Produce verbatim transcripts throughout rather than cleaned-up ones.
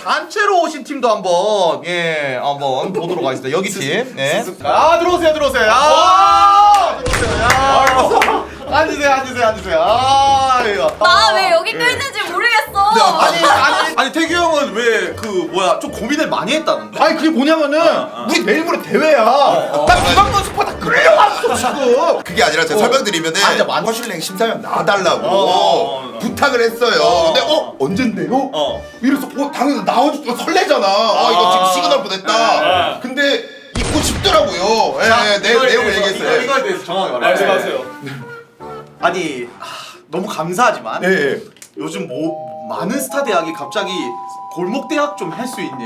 단체로 오신 팀도 한번 예 한번 보도록 하겠습니다. 여기 팀. 네. 아 들어오세요 들어오세요. 아 들어오세요. 야. 앉으세요 앉으세요 앉으세요. 아 이거. 나 왜 여기 껴있는지 모르겠어. 아니 아니 아니 태규 형은 왜 그 뭐야 좀 고민을 많이 했다는데? 아니 그게 뭐냐면은 우리 내일 모레 대회야. 나 비방문 스파 다 끌려왔어 지금. 그게 아니라 제가 설명드리면은 앉아, 많이- 허슐랭 심사위원 나와달라고 어, 어, 어. 부탁을 했어요. 근데 어? 언젠데요? 어. 이래서 어 당연히 나와주니까 설레잖아. 아 이거 지금 시그널 보냈다. 근데 입고 싶더라고요. 예, 내 내용을 얘기했어요. 이거에 대해서 정확히 말씀하세요. 아니 하, 너무 감사하지만 예, 예. 요즘 뭐 많은 스타 대학이 갑자기 골목 대학 좀 할 수 있니?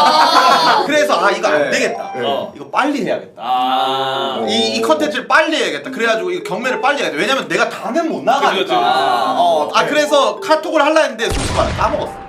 그래서 아 이거 안 되겠다. 네. 이거 빨리 해야겠다. 아. 이, 이 컨텐츠를 빨리 해야겠다. 그래가지고 이 경매를 빨리 해야겠다. 왜냐면 내가 다는 못 나가니까. 그치, 그치. 어, 아 그래서 카톡을 할라 했는데 솔직히 말해 까먹었어.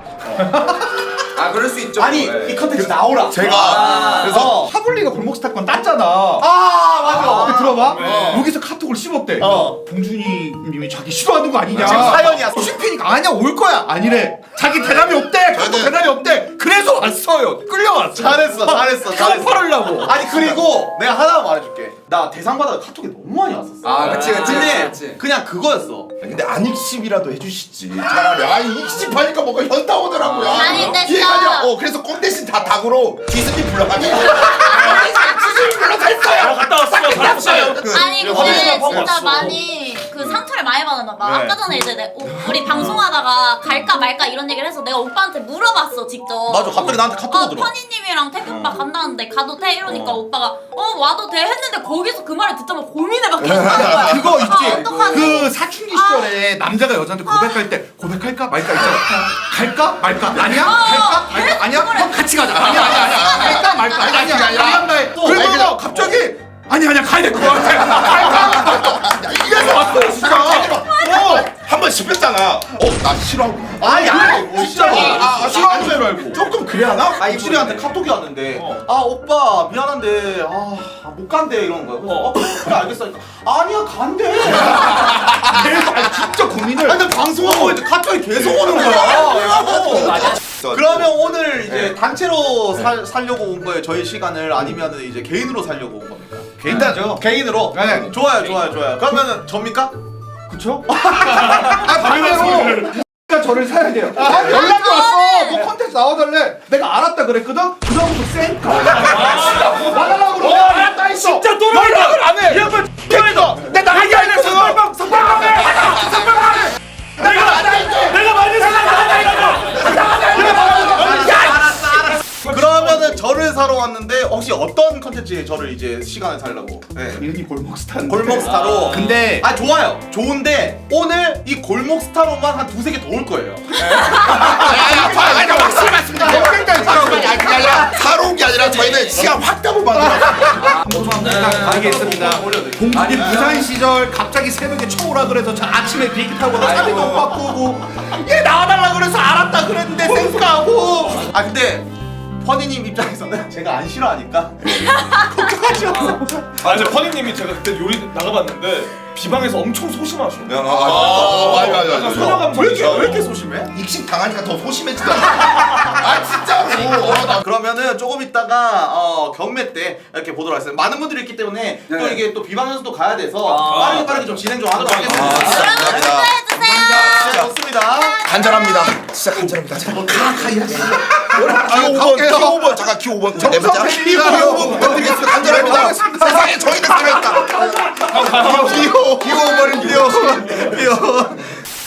아 그럴 수 있죠. 아니 이 컨텐츠 나오라. 제가 아, 그래서 하블리가 골목 스타권 땄잖아. 아 맞아. 근데 들어봐. 네. 여기서 카톡을 씹었대. 어. 봉준이 님이 자기 싫어하는 거 아니냐. 지금 사연이야. 씹히니까 아니야 올 거야. 아니래. 자기 대답이 없대. 카톡 저는- 대답이 없대. 그래서 왔어요. 끌려왔어. 잘했어 잘했어 잘했어. 팔으려고. 아니 그리고 내가 하나 말해줄게. 나 대상 받아서 카톡이 너무 많이 왔었어. 아 그치 그치 근데 그치, 그치. 그냥 그거였어. 근데 안 익십이라도 해주시지. 차라리 아 익십하니까 뭔가 현타 오더라고요. 아니, 근데 기회가 진짜- 아니라 어 그래서 꽁 대신 다 닭으로 디스니 불러가지고 디스니 불러서 했어요. 갔다 왔어요. 갔다 왔어요. 아니 그, 근데 화장실 하고 진짜 왔어. 많이 그 상처를 많이 받았나 봐. 네. 아까 전에 이제 내, 오, 우리 방송하다가 갈까 말까 이런 얘기를 해서 내가 오빠한테 물어봤어 직접. 맞아, 갑자기 나한테 카톡 어, 오더라. 퍼니님이랑 태규 오빠 간다는데 가도 돼 이러니까 어. 오빠가 어 와도 돼 했는데 거기서 그 말을 듣자마자 고민을 막 계속 하는 거야. 그거 있지. 아, 어떡하지? 그 사춘기 시절에 남자가 여자한테 고백할 때 고백할까 말까 있잖아. 갈까 말까 아니야? 갈까 말까 아니야? 그럼 같이 가자. 아니야 아니야 아니야. 갈까 말까 아니야 아니야 아니야. 아니야. 그리고 갑자기 아니 아니야 가야 될 것 같아. 갈까 말까. 이래서 왔어 진짜. 어. 한 번 씹혔잖아. 어나 싫어하고. 아니 아니 어, 진짜로. 아, 아 싫어하는 줄 알고. 조금 그래 하나? 아 입술이한테 카톡이 왔는데 아 오빠 미안한데 아 못 간대 이러는 거야. 그래서 어 그래 알겠어. 아니야 간대. 그래서 아니, 진짜 고민을. 아니 근데 방송하고 있는데 카톡이 계속 오는 거야. 그러면 오늘 이제 단체로 살, 살려고 온 거예요 저희 시간을 아니면 이제 개인으로 살려고 온 겁니까? 개인다죠. 개인으로? 네. 좋아요 좋아요 좋아요. 그러면은 접니까? 그쵸? 아 반대로 X가 저를 사야 돼요. 아 연락이 왔어. 뭐 컨텐츠 나와달래. 내가 알았다 그랬거든. 그다음부터 쌩까. 나가려고 그러고 알았다 했어. 진짜 또 연락을 안 해. 이 양반 개이다. 내 나가기 안 했어. 선발방 선발방 해. 선발방 해. 내가 내가 많이 그러면은 저를 사러 왔는데 혹시 어떤 컨텐츠에 저를 이제 시간을 살려고? 네. 이름이 골목스타인데. 골목 스타로. 근데 아 좋아요. 좋은데 오늘 이 골목 스타로만 한 두세 개 더 올 거예요. 아니 확실히 말씀드려. 아니 그게 아니라 사러 온 게 아니라 저희는 시간 확답을 받으러. 알겠습니다. 봉준이 부산 시절 갑자기 새벽에 쳐오라 그래서 저 아침에 비행기 타고 나 사비도 못 바꾸고 얘 나와달라 그래서 알았다 그랬는데 쌩까고. 아 근데 퍼니님 입장에서는 제가 안 싫어하니까 아 근데 퍼니님이 제가 그때 요리 나가봤는데 비방에서 엄청 소심하셔. 아, 맞아 맞아 맞아. 소녀 왜 이렇게 감성이셔. 왜 이렇게 소심해? 익식 당하니까 더 소심해지더라. 아 진짜로. 어, 나 그러면은 조금 있다가 어, 경매 때 이렇게 보도록 하겠습니다. 많은 분들이 있기 때문에 또 이게 또 비방연수도 가야 돼서 빠르게 빠르게 좀 진행 좀 하도록 하겠습니다. 여러분 네, 투표해주세요. 좋습니다. 간절합니다. 진짜 간절합니다. 가가 일하시. 아, 오 번, 키 오 번, 잠깐 키 오 번. 네 번째. 키 오 번 부탁드리겠습니다. 간절합니다. 세상에 저희는 살아있다. 귀여워. 귀여워 버린 귀여워. 귀여워.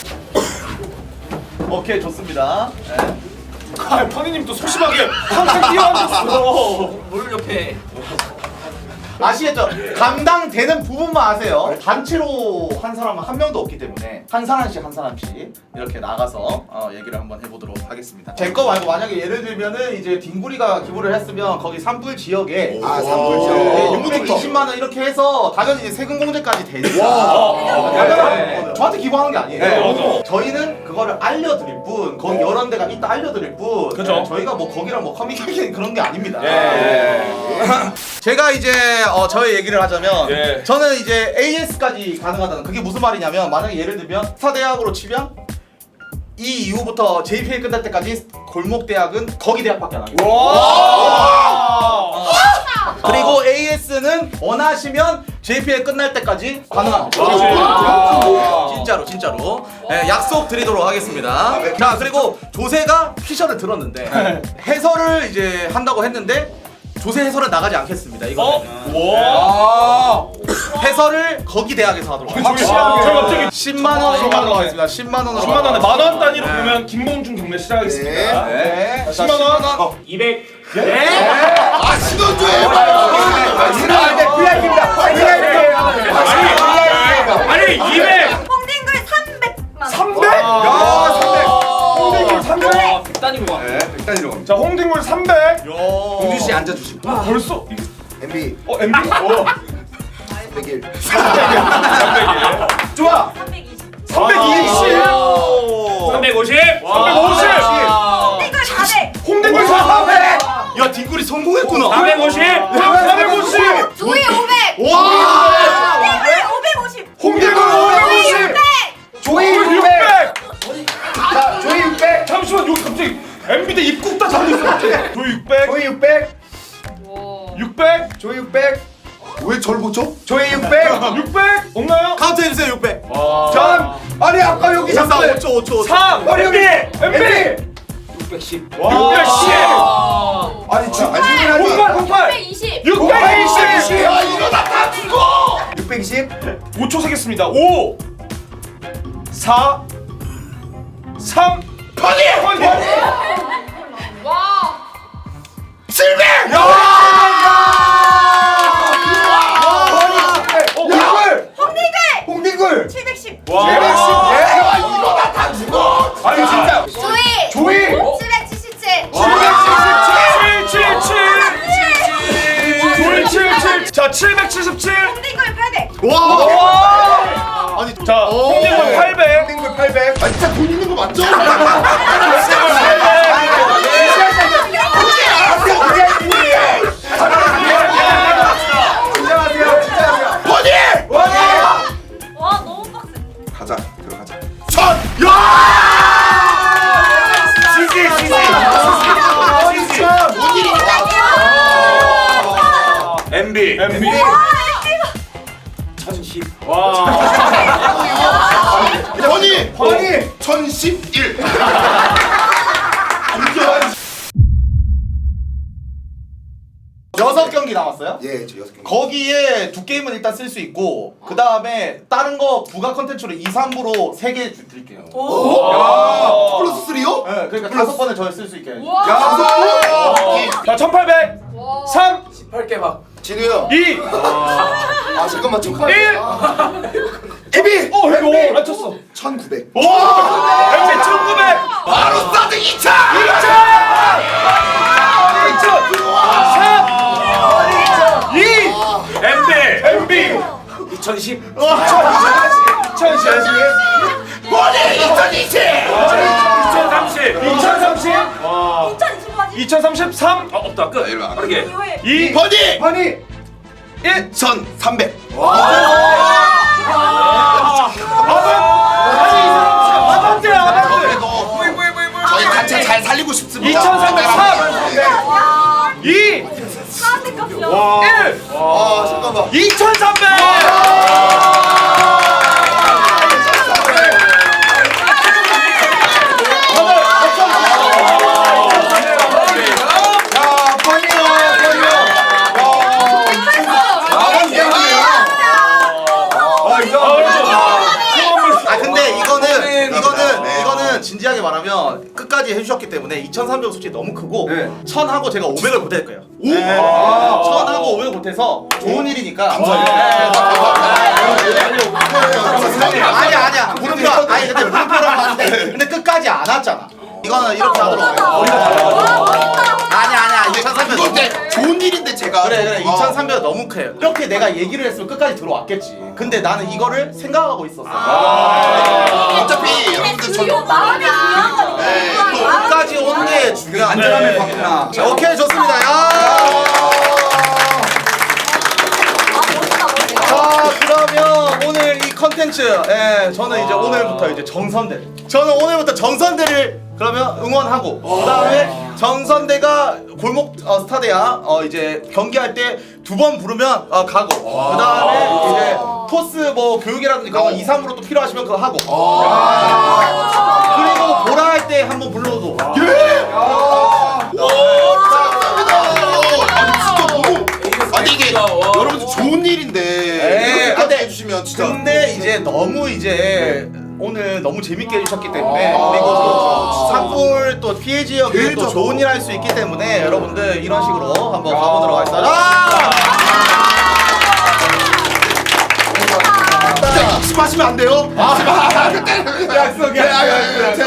오케이 좋습니다. 네. 아 퍼니님 또 소심하게 항상 뛰어앉았어. 물 옆에. 아시겠죠? 감당되는 부분만 아세요. 단체로 한 사람은 한 명도 없기 때문에 한 사람씩 한 사람씩 이렇게 나가서 어, 얘기를 한번 해보도록 하겠습니다. 제 거 말고 만약에 예를 들면은 이제 딩구리가 기부를 했으면 거기 산불 지역에 아, 산불 지역. 네, 육백이십만 원 이렇게 해서 당연히 이제 세금 공제까지 되니까 당연한 저한테 기부하는 게 아니에요. 네, 저희는 그거를 알려드릴 뿐 거기 여러 데가 있다 알려드릴 뿐 그죠. 네, 저희가 뭐 거기랑 뭐 커뮤니케이션 그런 게 아닙니다. 예. 제가 이제 어, 저의 얘기를 하자면 예. 저는 이제 에이에스까지 가능하다는 그게 무슨 말이냐면 만약에 예를 들면 스타 대학으로 치면 이 이후부터 제이피엘 끝날 때까지 골목대학은 거기 대학밖에 안 합니다. 그리고 에이에스는 원하시면 제이피엘 끝날 때까지 가능합니다. 진짜로 진짜로 네, 약속 드리도록 하겠습니다. 자 그리고 조세가 피셔를 들었는데 해설을 이제 한다고 했는데 조세 해설은 나가지 않겠습니다. 이거 해설을 거기 대학에서 하도록 하겠습니다. 저 갑자기 십만 원으로 하도록 하겠습니다. 십만 원으로 십만 원에 만 원 단위로 그러면 김봉준 경매 시작하겠습니다. 네. 자, 십만 원. 이백. 아 신혼조예요. 아니 이백. 홍딩글 삼백만. 삼백. 야 삼백. 홍딩글 삼백. 단위로 네, 백 단위로 갑니다. 자 홍딩글 삼백. 공준 씨 앉아주시고. 벌써. 엠비 어 엠비. 어. 백일. 좋아. 삼백이십. 삼백이십. 삼백오십. 삼백오십. 홍딩글 사백. 홍대골 사백. 야 뒷골이 성공했구나. 사백오십. 사백오십. 조이 오백. 와. 홍딩글 오백오십. 홍대골 오백오십. 조이 육백. 자 조이 육백. 잠시만 여기 갑자기 엠비대 입국 다 잡고 있어. 조이 육백. 조이 육백. 육백. 조이 육백. 왜 절 보죠? 조이 육백. 육백. 없나요? 카운트 해주세요 육백. 자. 아니 아까 여기 오 잠깐. 초 오 초. 삼. 아니 여기 엠비. 육백십. 육백십. 아니 지금 아니 공팔 공팔. 육백이십. 육백이십. 야 이러다 다 죽어. 육백이십. 오 초 세겠습니다. 오. 사. 삼. 퍼니. 퍼니. 와. 칠백. 홍딩글. 홍딩글 홍딩글. 칠백십. 와. 야 이러다 다 죽어. 아니 진짜. 조이 조이. 칠백칠십칠. 칠백칠십칠. 조이 칠칠. 자 칠백칠십칠. 홍딩글 팔백. 와. 아니 자 홍딩글 팔백. 홍딩글 팔백. 아 진짜 돈 있는 거 맞죠? 퍼니. 와 너무 빡세. 가자 들어가자. 천. 지지 지지. 지지. 엠비. 엠비. 천십. 와. 퍼니. 퍼니. 천십일. 여섯 경기 남았어요. 예, 저 여섯 개. 거기에 두 게임은 일단 쓸 수 있고 그 다음에 다른 거 부가 컨텐츠로 이, 삼부로 세 개 드릴게요. 야, 플러스 쓰리요? 네, 그러니까 다섯 번을 저를 쓸 수 있게. 야, 자 천팔백. 삼. 십팔 개 막. 진우 형. 이. 아 잠깐만 잠깐만. 일. 에비. 어 이거 안 쳤어. 천구백. 와. 엠비 천구백. 바로 스타트 이 차. 이. 엠비. 엠비. 이천십. 이천십. 머리 이천이십. 이천삼십. 이천삼십. 와. 이천이십까지. 이천삼십삼. 어 없다 끝. 일로 와. 빠르게. 이후에. 이. 버니. 버니. 일. 천삼백. 아반떼 아반떼. 저희 단체 잘 살리고 싶습니다. 이천삼백삼. 이. 사한테 값이야. 일. 아 잠깐만. 이천삼백. 아 근데 이거는 이거는 이거는 진지하게 말하면 끝까지 해주셨기 때문에 이천삼백은 솔직히 너무 크고 네. 천하고 제가 오백을 보탤 거예요. 오. 천하고 오백을 보태서 좋은 일이니까. 아니야 아니야 물음표 아니 근데 물음표라고 하는데 근데 끝까지 안 왔잖아. 이거는 이렇게 하도록 해요. 아니야 아니야 이천삼백 이거 근데 좋은 일인데 제가. 그래 그래 어. 이천삼백은 너무 커요. 이렇게 내가 얘기를 했으면 끝까지 들어왔겠지. 근데 나는 이거를 생각하고 있었어. 어차피 여러분들 저. 이거 마음이 중요한 거니까. 네, 또 끝까지 온 게 중요한 안전함을 네. 봤구나. 자, 오케이 좋습니다. 야. 아 멋있다 멋있다. 자 그러면 오늘 이 컨텐츠 컨텐츠. 예, 저는 이제 오늘부터 이제 정선대. 저는 오늘부터 정선대를 그러면 응원하고 그다음에 정선대가 골목 어, 스타대야 어 이제 경기할 때 두 번 부르면 어, 가고 그다음에 이제 토스 뭐 교육이라든지 그런 거 이, 삼으로 또 필요하시면 그거 하고 그리고 보라 할 때 한번 불러도 아니 이게 여러분들 좋은 일인데 네, 이렇게까지 근데- 해주시면 진짜 근데 이제 너무 이제 오늘 너무 재밌게 해주셨기 때문에 아, 그리고 또 진짜. 산불 또 피해 지역에 또 진짜. 좋은 일 할 수 있기 때문에 여러분들 이런 식으로 한번 가보도록 하겠습니다. 아! 진짜 익심하시면 안 돼요. 약속이야. 제가